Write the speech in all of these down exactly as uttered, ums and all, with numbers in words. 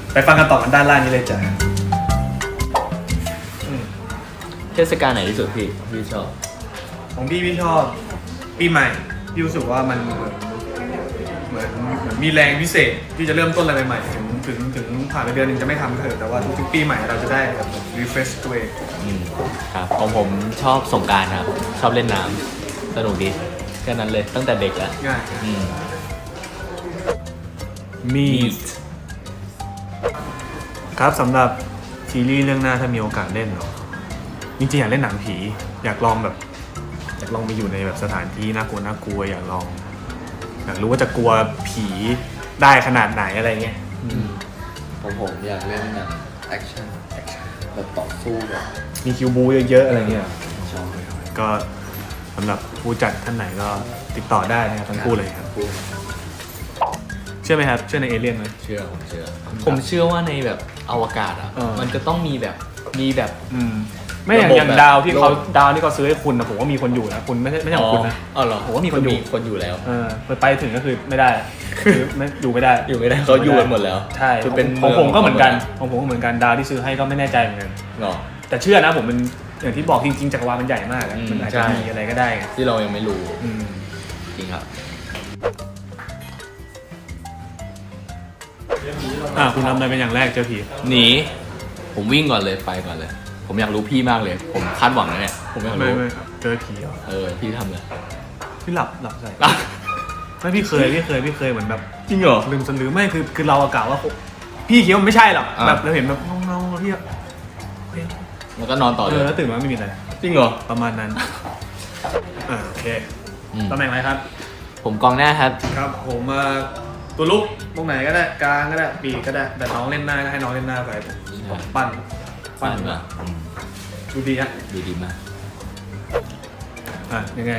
ไปฟังกันต่อกันด้านล่างนี้เลยจ้ะเทศกาลไหนที่สุดพี่พี่ชอบของพี่พี่ชอบปีใหม่พี่รู้สึกว่ามันเหมือนเหมือนเหมือนมีแรงพิเศษที่จะเริ่มต้นอะไรใหม่ๆถึงถึงถึงผ่านไปเดือนหนึ่งจะไม่ทำเถอะแต่ว่าทุกๆปีใหม่เราจะได้แบบ refresh ตัวเองอืมครับของผมชอบสงกรานต์ครับชอบเล่นน้ำสนุกดีแค่นั้นเลยตั้งแต่เด็กแล้วง่ายอืม meet ครับสำหรับซีรีส์เรื่องหน้าถ้ามีโอกาสเล่นเนาะจริงๆอยากเล่นหนังผีอยากลองแบบอยากลองไปอยู่ในแบบสถานที่น่ากลัวน่ากลัวอยากลองอยากรู้ว่าจะกลัวผีได้ขนาดไหนอะไรเงี้ยผมผมอยากเล่นหนังแอคชั่นแบบต่อสู้แบบมีคิวบูเยอะๆอะไรเงี้ยชอบเลยก็สำหรับผู้จัดท่านไหนก็ติดต่อได้นะครับทั้งคู่เลยครับคู่เชื่อไหมครับเชื่อในเอเลี่ยนไหมเชื่อผมเชื่อผมเชื่อว่าในแบบอวกาศอ่ะเออมันจะต้องมีแบบมีแบบอืมไม่อย่างระบบอย่างแบบดาวที่เขาโลกดาวที่เขาซื้อให้คุณนะผมว่ามีคนอยู่นะคุณไม่ใช่ไม่ใช่ของคุณนะอ๋อเหรอผมว่ามีคนอยู่คนอยู่แล้วเออไปถึงก็คือไม่ได้คือไม่อยู่ไม่ได้อยู่ไม่ได้เขาอยู่กันหมดแล้วใช่คือเป็นของเมืองผมก็เหมือนกันของของผมก็เหมือนกันดาวที่ซื้อให้ก็ไม่แน่ใจเหมือนกันเนาะแต่เชื่อนะผมมันอย่างที่บอกจริงๆจักรวาลมันใหญ่มากอะอืมมันอาจใช่จะมีอะไรก็ได้ไงที่เรายังไม่รู้อืมจริงครับอ่ะคุณทำอะไรเป็นอย่างแรกเจอผีหนีผมวิ่งก่อนเลยไปก่อนเลย ผมอยากรู้พี่มากเลย ผมคาดหวังนะเนี่ยผมอยากไม่รู้ไม่เจอผีเหรอเออพี่ทำเลยพี่หลับหลับใส่ไม่พี่เคยพี่เคยพี่เคยเหมือนแบบจริงเหรอลืมสลือไม่คือคือเราอะกล่าวว่าพี่คิดว่ามันไม่ใช่หรอกอ่าแบบเราเห็นแบบเงาๆพี่อะเฮ้ยแล้วก็นอนต่อเอเลอย แล้วตื่นมาไม่มีอะไรจริงเหรอประมาณนั้นอ่าโอเคอืมตำแหน่งอะไรครับผมกองหน้าครับครับผมมาตัวลุกตรงไหนก็ได้กลางก็ได้ปีกก็ได้แต่น้องเล่นหน้าก็ให้น้องเล่นหน้าไปผมปั้นปั้ปั้นนป่ะอืมดูดีฮะดูดีมากอ่ะยังไง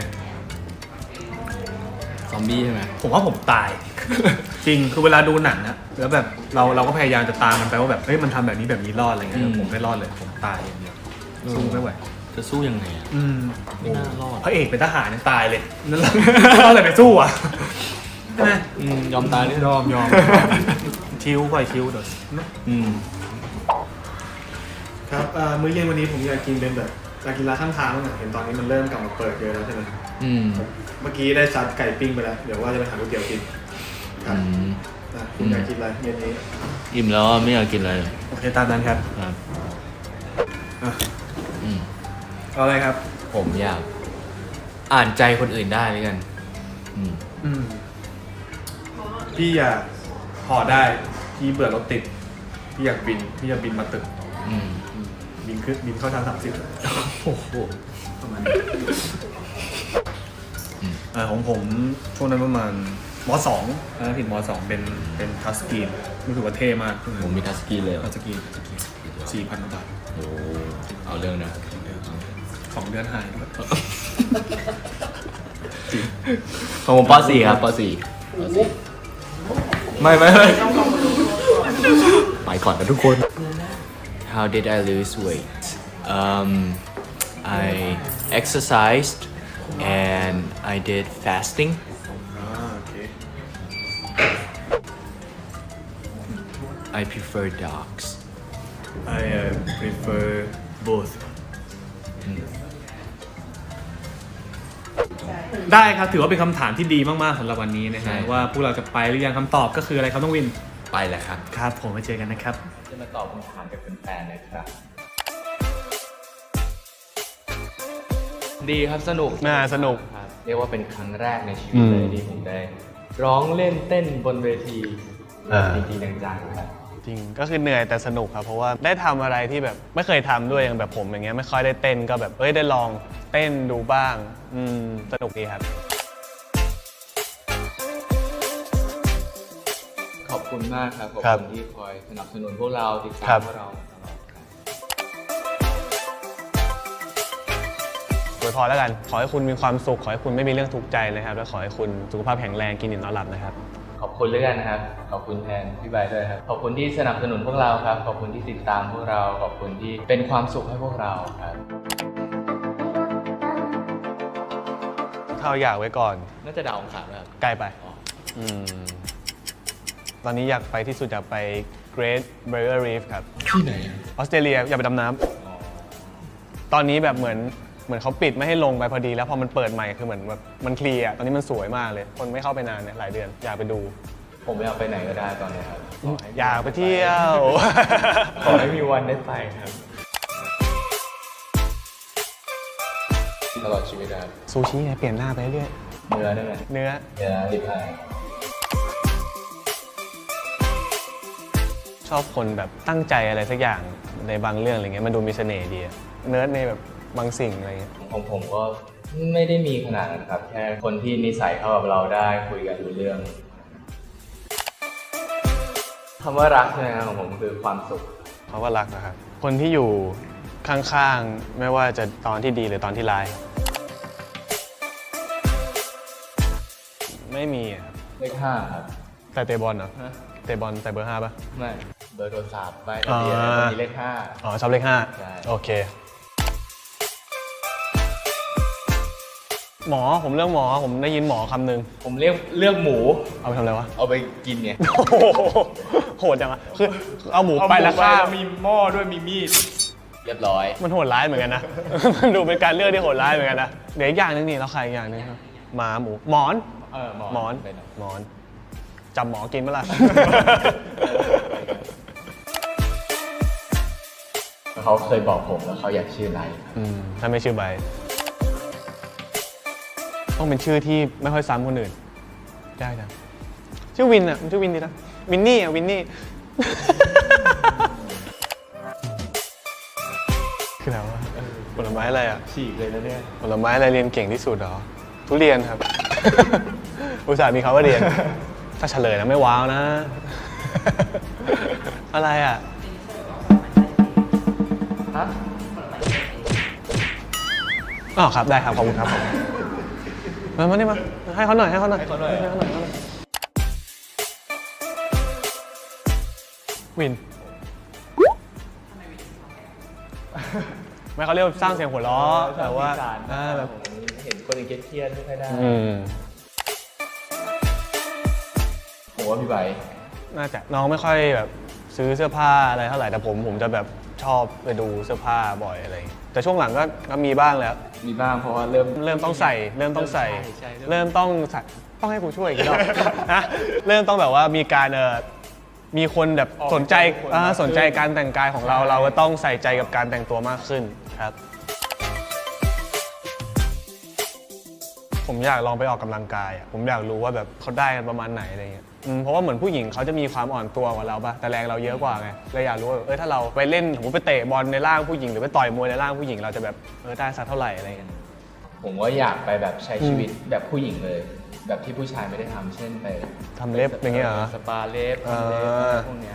ซอมบี้ใช่ไหมผมว่าผมตาย จริงคือเวลาดูหนังอะแล้วแบบเราเราก็พยายามจะตามมันไปว่าแบบเฮ้ยมันทำแบบนี้แบบนี้รอดอะไรเงี้ยผมไม่รอดเลยผมตายอย่างเดียวสู้ไม่ไหวจะสู้ยังไงอ่ะอืมไม่น่ารอดพระเอกเป็นทหารยังตายเลยนั่นแหละ อะไรไปสู้อ่ะใช่ไหมอืมยอมตายเลยยอมยอมคิวค่อยคิวเดี๋ยวอืมครับมื้อเย็นวันนี้ผมอยากกินเป็นแบบอยากกินร้านข้างทางบ้างอะเห็นตอนนี้มันเริ่มกลับมาเปิดเยอะแล้วใช่ไหมอืมเมื่อกี้ได้ซัดไก่ปิ้งไปแล้วเดี๋ยวว่าจะไปหาก๋วยเตี๋ยวกินครัอืบมอ่ะคุณอยากกินอะไรเย็นนี้อิ่มแล้วอะไม่อยากกินอะไรเลยโอเคตามนั้นครับครับอ่ะอืมเอาอะไรครับผมอยากอ่านใจคนอื่นได้ด้วยกัน อืมอืมพี่อยากห่อได้พี่เบื่อรถติดพี่อยากบินพี่อยากบินมาตึกอืมอืมบินขึ้นบินเข้าทางสามสิบโอ้โหประมาณนี้อ่าของผมช่วงนั้นประมาณมสองนะผิดมสองเป็นเป็นทัชสกรีนรู้สึกว่าเท่มากช่วงนั้นผมมีทัชสกรีนเลยเหรอทัชสกรีนสี่พันบาทโอ้เอาเรื่องนะสองเดือนหายด้วยของผมป .สี่ ครับป .สี่ ป .สี่ ไม่ไม่ไม่ไปก่อนนะทุกคน How did I lose weight um I exercised and I did fasting อ่าโอเค I prefer dogs I uh, prefer both ได้ครับถือว่าเป็นคำถามที่ดีมากๆสำหรับวันนี้นะฮะว่าพวกเราจะไปหรือยังคำตอบก็คืออะไรครับต้องวินไปแล้วครับครับผมมาเจอกันนะครับจะมาตอบคำถามกับแฟนๆเลยครับ ดีครับสนุกน่าสนุกครับเรียกว่าเป็นครั้งแรกในชีวิตเลยที่ผมได้ ร้องเล่นเต้นบนเวทีจริงๆจังๆครับจริงก็คือเหนื่อยแต่สนุกครับเพราะว่าได้ทำอะไรที่แบบไม่เคยทำด้วยอย่างแบบผมอย่างเงี้ยไม่ค่อยได้เต้นก็แบบเอ้ยได้ลองเต้นดูบ้างอืมสนุกดีครับขอบคุณมากครับ ขอบครับคุณที่คอยสนับสนุนพวกเราติดตาครัมบพวกเราตลอดครับอวยพรแล้วกันขอให้คุณมีความสุขขอให้คุณไม่มีเรื่องทุกข์ใจนะครับและขอให้คุณสุขภาพแข็งแรงกินอิ่มนอนหลับนะครับขอบคุณเรื่องนะครับ ขอบคุณแทนพี่ใบร์ทด้วยครับ ขอบคุณที่สนับสนุนพวกเราครับ ขอบคุณที่ติดตามพวกเรา ขอบคุณที่เป็นความสุขให้พวกเราครับเท่าอยากไว้ก่อนน่าจะดาวองขาดนะครับใกล้ไปอ๋ออืมตอนนี้อยากไปที่สุดอยากไป Great Barrier Reef ครับที่ไหนออสเตรเลียอย่าไปดำน้ำตอนนี้แบบเหมือนเหมือนเขาปิดไม่ให้ลงไปพอดีแล้วพอมันเปิดใหม่คือเหมือนแบบมันเคลียร์ตอนนี้มันสวยมากเลย คนไม่เข้าไปนานเนี่ยหลายเดือนอยากไปดูผมอยากไปไหนก็ได้ตอนนี้ครับขให้อยากไปเที่ยวขอให้มีวันได้ไปครับตลอดชีวิตนะครับซูชิไงเปลี่ยนหน้าไปเรื่อยเนื้อได้ไหมเนื้อเนื้อดิบไอชอบคนแบบตั้งใจอะไรสักอย่างในบางเรื่องอะไรเงี้ยมันดูมีเสน่ห์ดีอะเนื้อในแบบบางสิ่งอะไรเงี้ยของผมก็ไม่ได้มีขนาดนั้นครับ แค่คนที่นิสัยเข้ากับเราได้คุยกันรู้เรื่องคำว่ารักใช่ไหมครับของผมคือความสุขเขาก็รักนะครับคนที่อยู่ข้างๆไม่ว่าจะตอนที่ดีหรือตอนที่ร้ายไม่มีอะครับเลขห้าครับแต่เตะบอลเหรอฮะเตะบอลใส่เบอร์ห้าป่ะไม่เบอร์โทรศัพท์ใบทะเบียนอ่าแล้วก็มีเลขห้าอ๋อชอบเลขห้าใช่โอเค หมอผมเรื่องหมอผมได้ยินหมอคำหนึ่งผมเรียกเลือกหมูเอาไปทำอะไรวะเอาไปกินไงโอ้โหโหดจังอะคือเอาหมูไปแล้วฆ่ามีหม้อด้วยมีมีดเรียบร้อยมันโหดร้ายเหมือนกันนะ มันดูเป็นการเลือกที่โหดร้ายเหมือนกันนะเดี๋ยวอีกอย่างหนึงนี่เราขายอีกอย่างหนึงครับหมาหมูหมอนเออหมอนหมอนเป็นไรหมอนจำหมอกินเมื่อไหร่เขาเคยบอกผมแล้วเขาอยากชื่ออะไรอืมถ้าไม่ชื่อใบ ต้องเป็นชื่อที่ไม่ค่อยซ้ำคนอื่นยากจังชื่อวินอ่ะมันชื่อวินดีนะวินนี่อ่ะวินนี่ คืออะไรวะผลไม้อะไรอ่ะฉีกเลยนะเนี่ยผลไม้อะไรเรียนเก่งที่สุดเหรอทุเรียนครับ อุตส่าห์มีเขาว่าเรียน ถ้าเฉลยนะไม่ว้าวนะ อะไรอ่ะฮะอ๋อครับได้ครับขอบคุณครับมามานี่มาให้เขาหน่อยให้เขาหน่อยให้เขาหน่อยให้เขาหน่อยวินไม่เขาเรียกว่าสร้างเสียงหัวเราะแต่ว่าอ่าแบบเห็นคนอื่นเครียดๆไม่ค่อยได้อืมผมว่าพี่ใบน่าจะน้องไม่ค่อยแบบซื้อเสื้อผ้าอะไรเท่าไหร่แต่ผมผมจะแบบชอบไปดูเสื้อผ้าบ่อยอะไรอย่างเงี้ยแต่ช่วงหลังก็ก็มีบ้างแล้วมีบ้างเพราะว่าเริ่มเริ่มต้องใส่เริ่มต้องใส่ใช่ใช่เริ่มต้องใส่ต้องให้กูช่วยอีกรอบ นะเริ่มต้องแบบว่ามีการเออมีคนแบบสนใจอ่าสนใจการแต่งกายของเราเราก็ต้องใส่ใจกับการแต่งตัวมากขึ้นครับ ผมอยากลองไปออกกำลังกายอ่ะผมอยากรู้ว่าแบบเขาได้กันประมาณไหนอะไรเงี้ยอืมเพราะว่าเหมือนผู้หญิงเขาจะมีความอ่อนตัวกว่าเราป่ะแต่แรงเราเยอะกว่าไงเลยอยากรู้ว่าเออถ้าเราไปเล่นสมมติไปเตะบอลในร่างผู้หญิงหรือไปต่อยมวยในร่างผู้หญิงเราจะแบบเออได้สักเท่าไหร่อะไรเงี้ยผมว่าอยากไปแบบใช้ชีวิตแบบผู้หญิงเลย แบบที่ผู้ชายไม่ได้ทำเช่นไปทำเล็บอย่างเงี้ยเหรอสปาเล็บอ่าทำเล็บอะไรพวกเนี้ย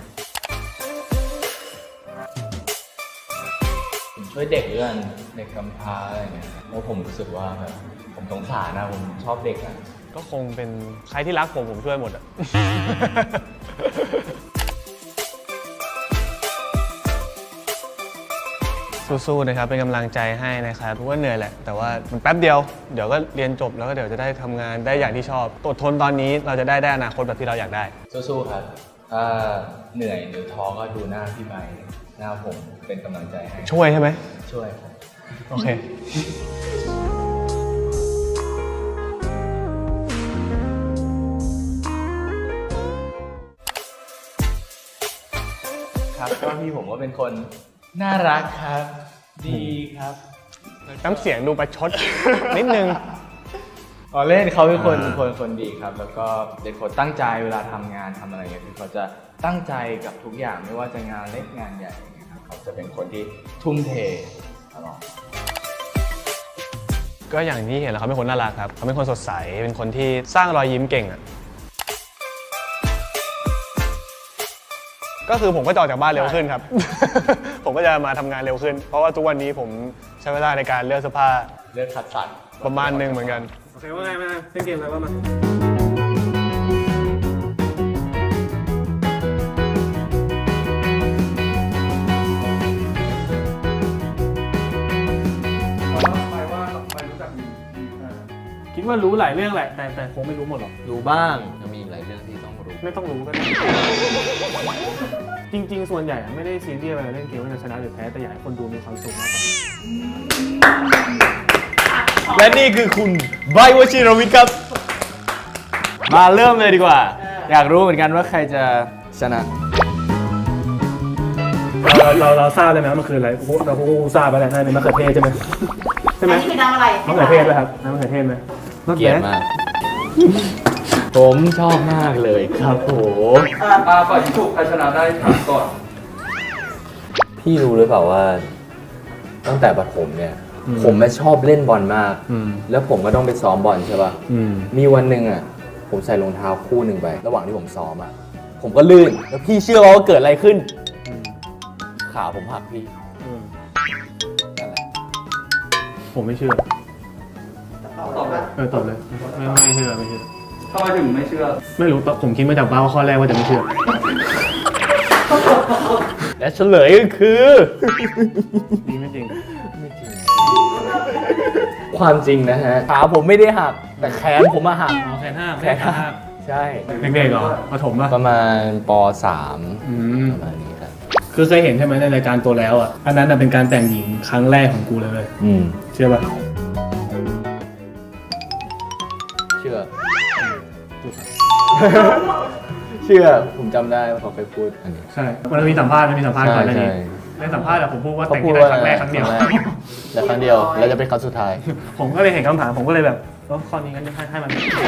ผมช่วยเด็กเรื่องเด็กกำพร้าอะไรเงี้ยเพราะผมรู้สึกว่าแบบผมสงสารนะผมชอบเด็กอะก็คงเป็นใครที่รักผมผมช่วยหมดอะ สู้ๆนะครับเป็นกำลังใจให้นะครับเพราะว่าเหนื่อยแหละแต่ว่ามันแป๊บเดียวเดี๋ยวก็เรียนจบแล้วก็เดี๋ยวจะได้ทำงานได้อย่างที่ชอบอดทนตอนนี้เราจะได้ได้อนาคตแบบที่เราอยากได้สู้ๆครับถ้าเหนื่อยหรือท้อก็ดูหน้าพี่ใบหน้าผมเป็นกำลังใจให้ช่วยใช่ไหมช่วยครับโอเคครับก็พี่ผมก็เป็นคนน่ารักครับ ดีครับน้ำเสียงดูประชด นิดนึงอ๋อเล่นเขาเป็นคนอ่าคนคนดีครับ แล้วก็เป็นคนตั้งใจเวลาทำงานทำอะไรเงี้ยคือเขาจะตั้งใจกับทุกอย่างไม่ว่าจะงานเล็กงานใหญ่อย่างเงี้ยครับเขาจะเป็นคนที่ทุ่มเทตลอดก็อย่างที่เห็นแหล้วเขาเป็นคนน่ารักครับเขาเป็นคนสดใสเป็นคนที่สร้างรอยยิ้มเก่งอ่ะก็คือผมก็จะออกจากบ้านเร็วขึ้นครับ ผมก็จะมาทำงานเร็วขึ้น เพราะว่าทุกวันนี้ผมใช้เวลาในการเลือกเสื้อผ้าเลือกคัดสรรประมาณหนึงเหมือนกันโอเคว่าไงมาเล่นเกมอะไรบ้างมาคิดว่ารู้หลายเรื่องแหละแต่แต่คงไม่รู้หมดหรอกรู้บ้างจะมีหลายเรื่องที่ต้องรู้ไม่ต้องรู้ก็ได้จริง ๆ ส่วนใหญ่อะไม่ได้ซีเรียสเวลาเล่นเกมว่าจะชนะหรือแพ้แต่อยากให้คนดูมีความสุขมากกว่าและนี่คือคุณไบร์ทวชิรวิทย์ครับ มาเริ่มเลยดีกว่า อยากรู้เหมือนกันว่าใครจะชนะเราเราเราทราบได้ไหมว่ามันคืออะไรเราก็ทราบไปแล้วใช่ไหมมะเขือเทศใช่ไหมใช่ไหมอันนี้คือน้ำอะไรมะเขือเทศไหมครับน้ำมะเขือเทศไหมเกลียดมาก ผมชอบมากเลยครับโหอาฝ่ายที่ถูกใครชนะได้ถามก่อนพี่รู้หรือเปล่าว่า ตั้งแต่ประถมเนี่ย ผมไม่ชอบเล่นบอลมากอืมแล้วผมก็ต้องไปซ้อมบอลใช่ป่ะอืมมีวันหนึ่งอ่ะ ผมใส่รองเท้าคู่หนึ่งไป ระหว่างที่ผมซ้อมอ่ะ ผมก็ลื่น แล้วพี่เชื่อว่าเกิดอะไรขึ้น ขาผมหักพี่อืมนั่นแหละผมไม่เชื่อตอบเลยเออตอบเลยไม่ไม่เชื่อไม่เชื่อทำไมถึงไม่เชื่อไม่รู้ผมคิดมาจากบ้าว่าข้อแรกว่าจะไม่เชื่อและเฉลยก็คือจริงไม่จริงความจริงนะฮะ ขาผมไม่ได้หัก แต่แขนผมมาหักอ๋อแขนห้าแขนหัก ใช่เด็กๆเหรอประถมป่ะประมาณป สามอืมประมาณนี้ครับคือเคยเห็นใช่ไหมในรายการตัวแล้วอ่ะอันนั้นน่ะเป็นการแต่งหญิงครั้งแรกของกูเลยเว้ยอืมเชื่อป่ะเชื่อ เชื่อ ผมจำได้ว่าเขาเคยพูดอันนี้ใช่มันมีสัมภาษณ์มันมีสัมภาษณ์ก่อนหน้านี้ใช่ในสัมภาษณ์อะผมพูดว่าเขาแต่งพูดที่ได้ว่าครั้งแรกครั้งเดียวและครั้งเดียว แล้วจะเป็นครั้งสุดท้ายผมก็เลยเห็นคำถามผมก็เลยแบบเออข้อนี้งั้นให้ให้มัน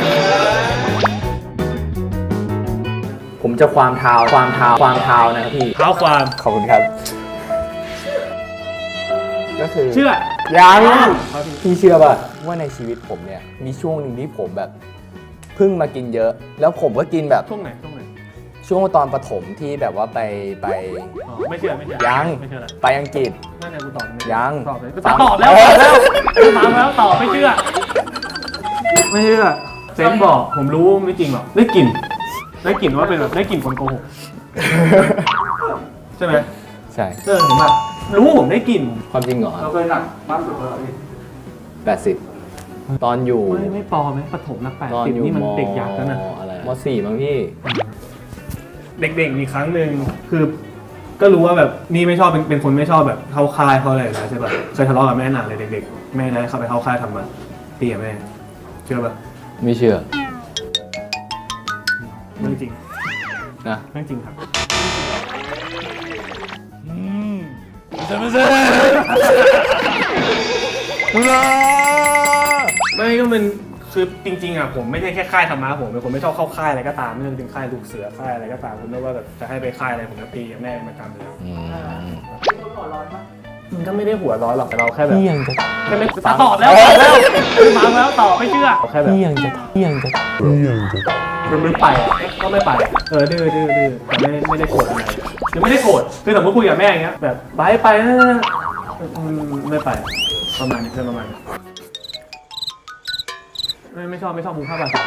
ผมจะความเท้าความเท้าความเท้านะครับพี่เท้าความขอบคุณครับ ก็คือเชื่อยังพี่เชื่อป่ะว่าในชีวิตผมเนี่ย มีช่วงหนึ่งที่ผมแบบเพิ่งมากินเยอะ แล้วผมก็กินแบบช่วงไหนช่วงไหนช่วงตอนประถมที่แบบว่าไปไปอ๋อไม่เชื่อไม่เชื่อยังไม่เชื่อละไปอังกฤษนั่นแหละกูตอบไม่ยังตอบเลยฟังตอบแล้วเอตออบแล้วฟังแล้วตอบไม่เชื่อ ไม่เชื่อเซนบอกผมรู้ไม่จริงหรอกได้กลิ่นได้กลิ่นว่าเป็นแบบได้กลิ่นคนโกหกใช่ไหมใช่เออเห็นป่ะรู้ผมได้กลิ่นความจริงเหรอเราเคยหนักมากสุดเท่าไหร่พี่แปดสิบตอนอยู่ไม่ไม่ปอไหมปฐมนักแปดตอนสิบอยู่นี่มันมเด็กอยากแล้วนะอะไรมสี่มั้งพี่เด็กๆมีครั้งหนึ่งคือ ก็รู้ว่าแบบนี่ไม่ชอบเป็นเป็นคนไม่ชอบแบบเข้าค่ายเพราะอะไรนะใช่ป่ะเคยทะเลาะกับแม่นานเลยเด็กๆแม่นะเขาไปเข้าค่ายทำมาตีกับแม่เชื่อป่ะไม่เชื่อเรื่องจริงนะเรื่องจริงครับไม่ก็เป็นคือจริงๆอ่ะผมไม่ใช่แค่ค่ายธรรมะผมเป็นคนไม่ชอบเข้าค่ายอะไรก็ตามไม่ว่าจะเป็นค่ายลูกเสือค่ายอะไรก็ตามผมไม่ว่าแบบจะให้ไปค่ายอะไรผมก็ตีกับแม่เป็นประจำเลยอืมคุณหัวร้อนปะมันก็ไม่ได้หัวร้อนหรอกแต่เราแค่แบบพี่ยังจะแค่ไม่ตอบแล้วตอบแล้วฟังแล้วตอบไม่เชื่อแค่แบบพี่ยังจะพี่ยังจะมันไม่ไปอ่ะก็ไม่ไปเออดื้อดื้อดื้อแต่ไม่ไม่ได้โกรธอะไรคือไม่ได้โกรธคือสมมติคุยกับแม่อย่างเงี้ยแบบไปไปนะอืมไม่ไปประมาณนี้เพื่อนประมาณนี้ไม่ไม่ชอบไม่ชอบมุมภาพแบบ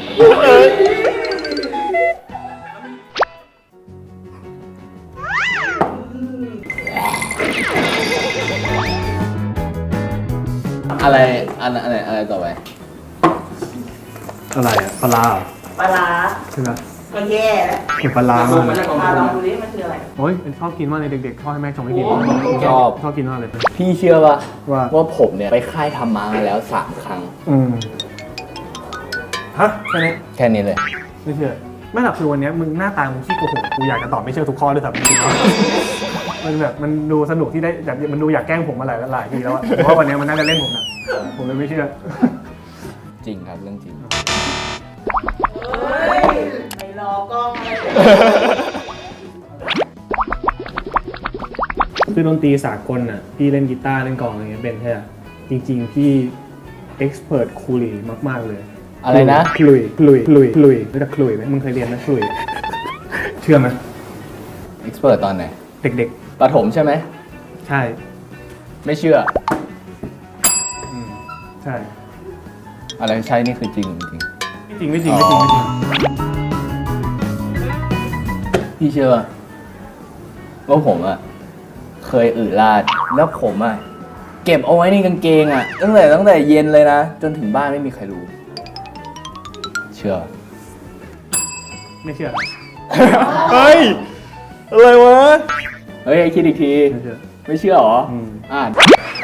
อะไรอันอะไรอะไรต่อไปอะไรอ่ะปลาเหรอปลาร้าใช่ไหมก็แย่แล้วเก็บปลาร้าลงมามาจากกองอ่ะทุนลองดูดิมันคืออะไรโอ้ยเป็นชอบกินมากเลยเด็กๆชอบให้แม่ชงให้กินชอบชอบกินมากเลยพี่เชื่อป่ะว่าว่าผมเนี่ยไปค่ายธรรมะมาแล้วสามครั้งอืมฮะแค่นี้แค่นี้เลยไม่เชื่อไม่หรอกคือวันนี้มึงหน้าตามึงขี้โกหกกูอยากจะตอบไม่เชื่อทุกข้อด้วยซ้ำจริงๆแล้วมันแบบมันดูสนุกที่ได้แบบมันดูอยากแกล้งผมมาหลายหลายทีแล้วอะผมว่าวันนี้มันน่าจะเล่นผมนะผมเลยไม่เชื่อจริงครับเรื่องจริงเฮ้ยไม่รอกล้องอะไรคือดนตรีสากลน่ะพี่เล่นกีตาร์เล่นกลองอะไรเงี้ยเป็นใช่ไหมจริง ๆ พี่เอ็กซ์เพรสคูลีมากๆเลยอะไรนะคลุยคลุยคลุยคลุยรู้จักคลุยไหมมึงเคยเรียนไหมคลุยเชื่อไหมเอ็กซ์เพรสตอนไหนเด็กประถมใช่ไหมๆ ใช่ไม่เชื่ออืมใช่อะไรใช่นี่คือจริงจริงไม่จริงไม่จริงไม่จริงไม่จริงพี่เชื่อว่าผมอะเคยอืดลาด แล้วผมอะเก็บเอาไว้ในกางเกงอะตั้งแต่ตั้งแต่เย็นเลยนะ จนถึงบ้านไม่มีใครรู้ เชื่อไม่เชื่อเฮ้ยอะไรวะเฮ้ยคิดอีกที ไม่เชื่อหรออ่าน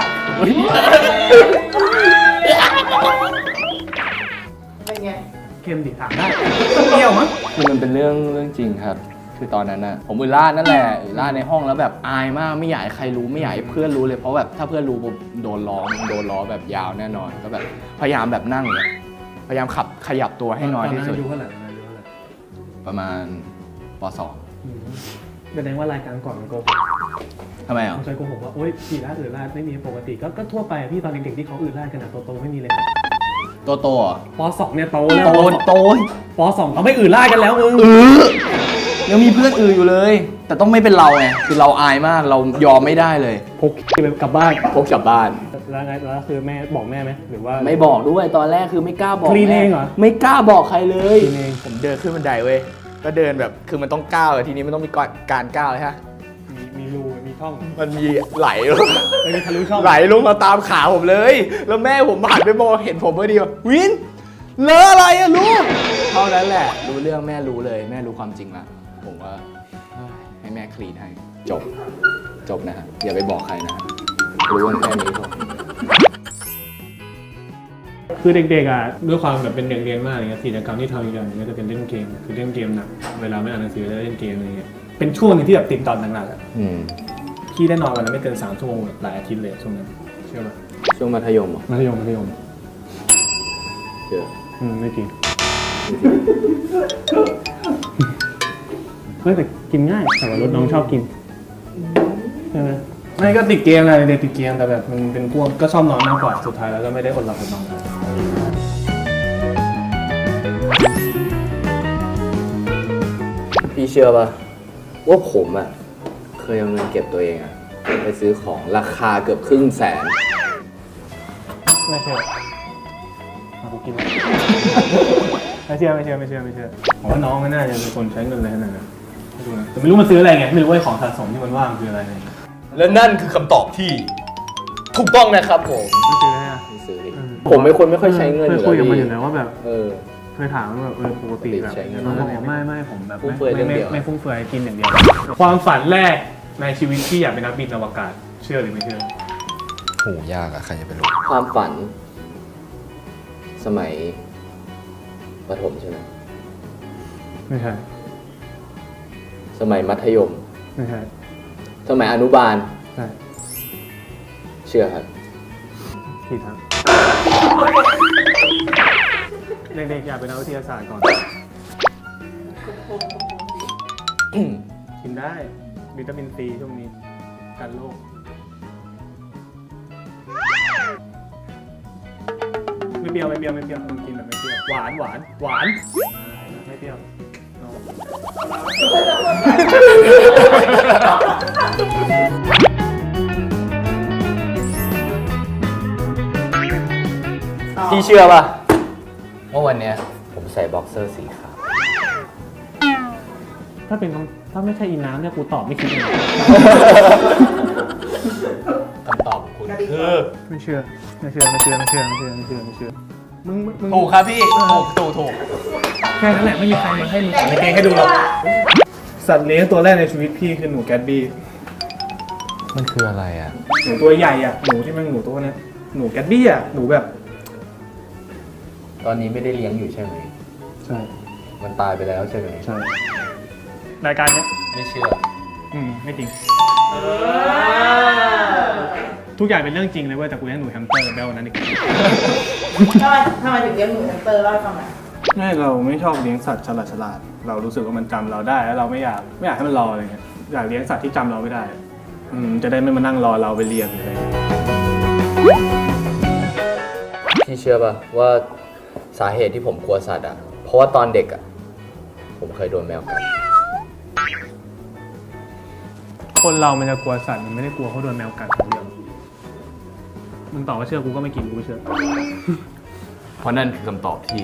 เป็นไงเค็มดิถามได้เปรี้ยวมั้งคือมันเป็นเรื่องเรื่องจริงครับ คือตอนนั้นน่ะผมอุลล่านั่นแหละอุลล่าในห้องแล้วแบบอายมากไม่อยากให้ใครรู้ไม่อยากให้เพื่อนรู้เลยเพราะแบบถ้าเพื่อนรู้ผมโดนล้อโดนล้อแบบยาวแน่นอนก็แบบพยายามแบบนั่งเนี่ยพยายามขับขยับตัวให้น้อยที่สุดอายุเท่าไหร่อายุเท่าไหร่ประมาณป สองแสดงว่ารายการก่อนมันโกหกทำไมอ่ะผมเคยโกหกว่าโอ๊ยฉี่ราดอืดราดไม่มีปกติก็ก็ทั่วไปอะพี่ตอนเด็กๆที่เขาอืดราดกันอะโตๆไม่มีเลยโตโตเหรอปสองเนี่ยโตแล้วโตโตปสองเขาไม่อืดราดกันแล้วมึงเออยังมีเพื่อนอื่นอยู่เลย แต่ต้องไม่เป็นเราไงคือเราอายมากเรายอมไม่ได้เลยพกไปกลับบ้านพกกลับบ้านแล้วไงแล้วคือแม่บอกแม่ไหมหรือว่าไม่บอกด้วยตอนแรกคือไม่กล้าบอกคลีนแม่เองเหรอไม่กล้าบอกใครเลยคลีนเองผมเดินขึ้นบันไดเว้ยก็เดินแบบคือมันต้องก้าวอะทีนี้มันต้องมีการก้าวเลยฮะมีมีรูมีช่องมันมีไหลลงไม่มีทะลุช่องไหลลงมาตามขาผมเลย แล้วแม่ผมผ่านไปมองเห็นผมพอดีว่าวินเลอะอะไรอะลูกเท่านั้นแหละรู้เรื่องแม่รู้เลยแม่รู้ความจริงละผมว่าเฮ้ยให้แม่คลีนให้จบจบนะฮะอย่าไปบอกใครนะฮะรู้กันแค่นี้พอคือเด็กๆอ่ะด้วยความแบบเป็นเด็กเรียนมากอะไรเงี้ยกิจกรรมที่ทำอีกอย่างหนึงก็จะเป็นเล่นเกมคือเล่นเกมหนักเวลาไม่อ่านหนังสือจะเล่นเกมอะไรเงี้ยเป็นช่วงหนึงที่แบบติดตอนหนักๆอ่ะอืมพี่ได้นอนวันละไม่เกินสามชั่วโมงแบบหลายอาทิตย์เลยช่วงนั้นเชื่อป่ะช่วงมัธยมเหรอมัธยมมัธยมเดี๋ยวอืมไม่จริงเฮ้ยแต่กินง่ายแต่ว่ารถน้องชอบกินใช่ไหมไม่ก็ติดเกมอะไรเด็กติดเกมแต่แบบมันเป็นพวกก็ชอบนอนมากกว่าสุดท้ายแล้วก็ไม่ได้อดหลับอดนอนพี่เชื่อป่ะว่าผมอ่ะเคยเอาเงินเก็บตัวเองอ่ะไปซื้อของราคาเกือบครึ่งแสนไม่เชื่อเอากูกินเลยไม่เชื่อไม่เชื่อไม่เชื่อไม่เชื่อผมว่าน้องไม่น่าจะเป็นคนใช้เงินอะไรขนาดนั้นไม่รู้นะแต่ไม่รู้มันซื้ออะไรไงไม่รู้ว่าของสะสมที่มันว่างคืออะไรไงและนั่นคือคำตอบที่ถูกต้องนะครับผมไม่ซื้อให้อะไม่ซื้อดิผมเป็นคนไม่ค่อยใช้เงินอเคยยู่คุยแล้วกับมันอพี่ยู่แล้วว่าแบบเออเคยถามว่าแบบเออปกติแบบใช้เงินน้องบอกไม่ไม่ผมแบบฟุ่มเฟือยไม่ไม่เรื่องเดียวไม่ฟุ่มเฟือยกินอย่างเดียว ความฝันแรกในชีวิตที่อยากเป็นนักบินอวกาศเชื่อหรือไม่เชื่อโหยากอะใครจะไปรู้ความฝัน สมัยประถมใช่ไหมไม่ใช่สมัยมัธยมไม่ใช่สมัยอนุบาลใช่เชื่อครับผิดครับเด็กๆอยากเป็นนักวิทยาศาสตร์ก่อนกินได้วิตามินซีช่วงนี้กันโรคไม่เปรี้ยวไม่เปรี้ยวไม่เปรี้ยวกินแบบไม่เปรี้ยวหวานหวานหวานไม่เปรี้ยวพี่เชื่อป่ะว่าวันเนี้ยผมใส่บ็อกเซอร์สีขาวถ้าเป็นคำถ้าไม่ใช่อีน้ำเนี่ยกูตอบไม่คิดเลยคำตอบของคุณคือไม่เชื่อไม่เชื่อไม่เชื่อไม่เชื่อไม่เชื่อไม่เชื่อไม่เชื่อมึงมึงถูกครับพี่ถูกถูกถูกแค่นั้นแหละไม่มีใครมาให้มึงใส่ในเกงให้ดูหรอกสัตว์เลี้ยงตัวแรกในชีวิตพี่คือหนูแกตบี้มันคืออะไรอะหนูตัวใหญ่อ่ะหนูที่มันหนูตัวเนี้ยหนูแกตบี้อ่ะหนูแบบตอนนี้ไม่ได้เลี้ยงอยู่ใช่ไหมใช่มันตายไปแล้วใช่ไหมใช่รายการเนี้ยไม่เชื่ออืมไม่จริงทุกอย่างเป็นเรื่องจริงเลยเว้ยแต่กูเลี้ยงหนูแฮมสเตอร์แบลนั้นอีกทำไมทำไมถึงเลี้ยงหนูแฮมสเตอร์เล่าให้ฟังหน่อยไม่เราไม่ชอบเลี้ยงสัตว์ฉลาดฉลาดเรารู้สึกว่ามันจำเราได้แล้วเราไม่อยากไม่อยากให้มันรออะไรเงี้ยอยากเลี้ยงสัตว์ที่จำเราไม่ได้อืมจะได้ไม่มานั่งรอเราไปเลี้ยงอะไรเงี้ยพี่เชื่อป่ะว่าสาเหตุที่ผมกลัวสัตว์อ่ะ เพราะว่าตอนเด็กอ่ะ ผมเคยโดนแมวกัดคนเรามันจะกลัวสัตว์มันไม่ได้กลัวเขาโดนแมวกัดคนเดียวมึงตอบว่าเชื่อกูก็ไม่กินกูไม่เชื่อเพราะนั่นคือคำตอบที่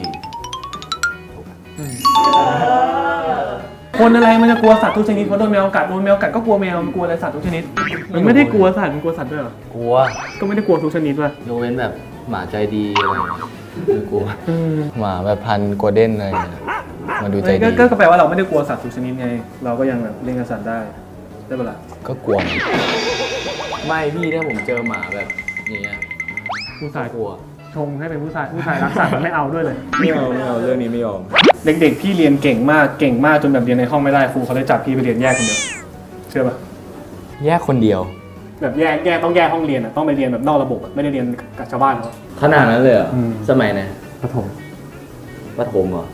คนอะไรมันจะกลัวสัตว์ทุกชนิดเพราะโดนแมวกัดโดนแมวกัดก็กลัวแมวมันกลัวอะไรสัตว์ทุกชนิดมันไม่ได้กลัวสัตว์มันกลัวสัตว์ด้วยเหรอกลัวก็ไม่ได้กลัวทุกชนิดว่ะยกเว้นแบบหมาใจดีอะไรอย่างเงี้ยไม่กลัวหมาแบบพันธุ์โกลเด้นอะไรอย่างเงี้ยมันดูใจก็ดีก็ก็แปลว่าเราไม่ได้กลัวสัตว์ทุกชนิดไง เราก็ยังแบบเล่นกับสัตว์ได้ได้ปะล่ะก็กลัวไม่พี่ถ้าผมเจอหมาแบบอย่างเงี้ยผู้ชายกลัวชงให้เป็นผู้ชายผู้ชายรักสัตว์ไม่เอาด้วยเลยไม่เอาไม่เอาเรื่องนี้ไม่ยอมเด็กๆพี่เรียนเก่งมากเก่งมากจนแบบเรียนในห้องไม่ได้ครูเขาเลยจับพี่ไปเรียนแยกคนเดียวเชื่อปะแยกคนเดียวแบบแยกแยกต้องแยกห้องเรียนอ่ะต้องไปเรียนแบบนอกระบบอะไม่ได้เรียนกับชาวบ้านเขาขนาดนั้นเลยเหรออืมสมัยไหนประถมประถมเหรอ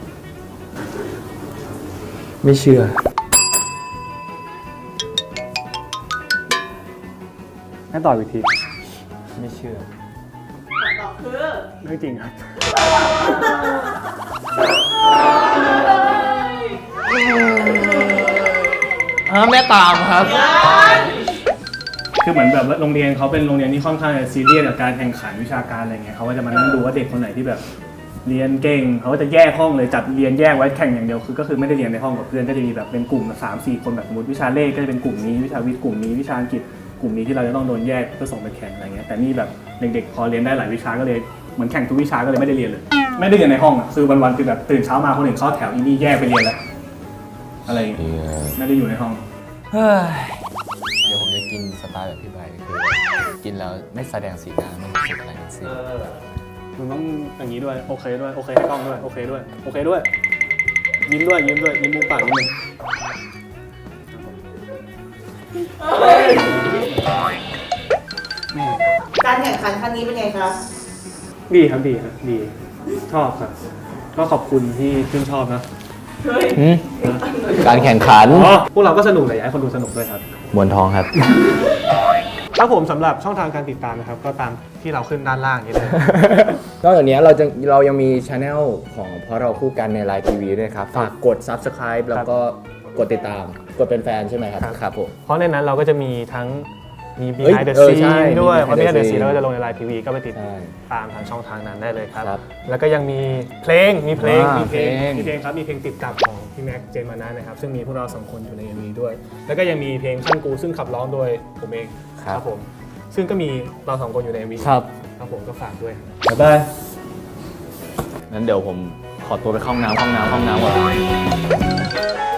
ไม่เชื่อให้ต่ออีกทีไม่เชื่อตอบคือเรื่องจริงครับฮะแม่ตามครับคือเหมือนแบบว่าโรงเรียนเขาเป็นโรงเรียนที่ค่อนข้างจะซีเรียสกับการแข่งขันวิชาการอะไรเงี้ยเขาก็จะมานั่งดูว่าเด็กคนไหนที่แบบเรียนเก่งเขาก็จะแยกห้องเลยจัดเรียนแยกไว้แข่งอย่างเดียวคือก็คือไม่ได้เรียนในห้องกับเพื่อนก็จะมีแบบเป็นกลุ่มสามสี่คนแบบสมมติวิชาเลขก็จะเป็นกลุ่มนี้วิชาวิทย์กลุ่มนี้วิชาอังกฤษกลุ่มนี้ที่เราจะต้องโดนแยกเพื่อส่งไปแข่งอะไรเงี้ยแต่นี่แบบเด็กๆพอเรียนได้หลายวิชาก็เลยเหมือนแข่งทุกวิชาก็เลยไม่ได้เรียนเลยไม่ได้เรียนในห้องอ่ะคือวันๆคือแบบตื่นเช้ามาคนอื่นเข้าแถวอีนี่แยกไปเรียนแล้วอะไรอย่างเงี้ยไม่ได้อยู่ในห้องเฮ้ย เดี๋ยวผมจะกินสไตล์แบบพี่ใบคือกินแล้วไม่แสดงสีหน้าไม่รู้สึกอะไรทั้งสิ้นมึงต้องอย่างนี้ด้วยโอเคด้วยโอเคให้กล้องด้วยโอเคด้วยโอเคด้วยยิ้มด้วยยิ้มด้วยยิ้มมุมปากนิดนึงการแข่งขันครั้งนี้เป็นไงครับดีครับดีครับดีชอบครับก็ขอบคุณที่ชื่นชอบนะเฮ้ยหืมการแข่งขันอ๋อพวกเราก็สนุกแต่อยากให้คนดูสนุกด้วยครับมวนทองครับครับผมสำหรับช่องทางการติดตามนะครับก็ตามที่เราขึ้นด้านล่างนี้เลยนอกจากนี้เราจะเรายังมีช anel ของเพราะเราคู่กันในไลน์ทีวีด้วยครับ ฝากกด subscribe แล้วก็กดติดตาม กดเป็นแฟนใช่ไหมครับครับครับผมเพราะในนั้นเราก็จะมีทั้งมีเฮ้ย behind the เออใช่ scene ด้วยมีเพราะ behind behind the the scene scene เราก็จะลงในไลน์ทีวีก็ไปติดใช่ตามทางช่องทางนั้นได้เลยครับครับแล้วก็ยังมีเพลงมีเพลงอ่ามีมีเพลงเพลงมีเพลงครับมีเพลงติดกับของพี่แม็กเจนมานะนะครับซึ่งมีพวกเราสองคนอยู่ใน เอ็ม วี ด้วย แล้วก็ยังมีเพลงช่างกูซึ่งขับร้องโดยผมเองครับผมซึ่งก็มีเราสองคนอยู่ใน เอ็ม วีครับครับผมก็ฝากด้วยบ๊ายบายงั้นเดี๋ยวผมขอตัวไปเข้าห้องน้ำห้องน้ำห้องน้ำก่อน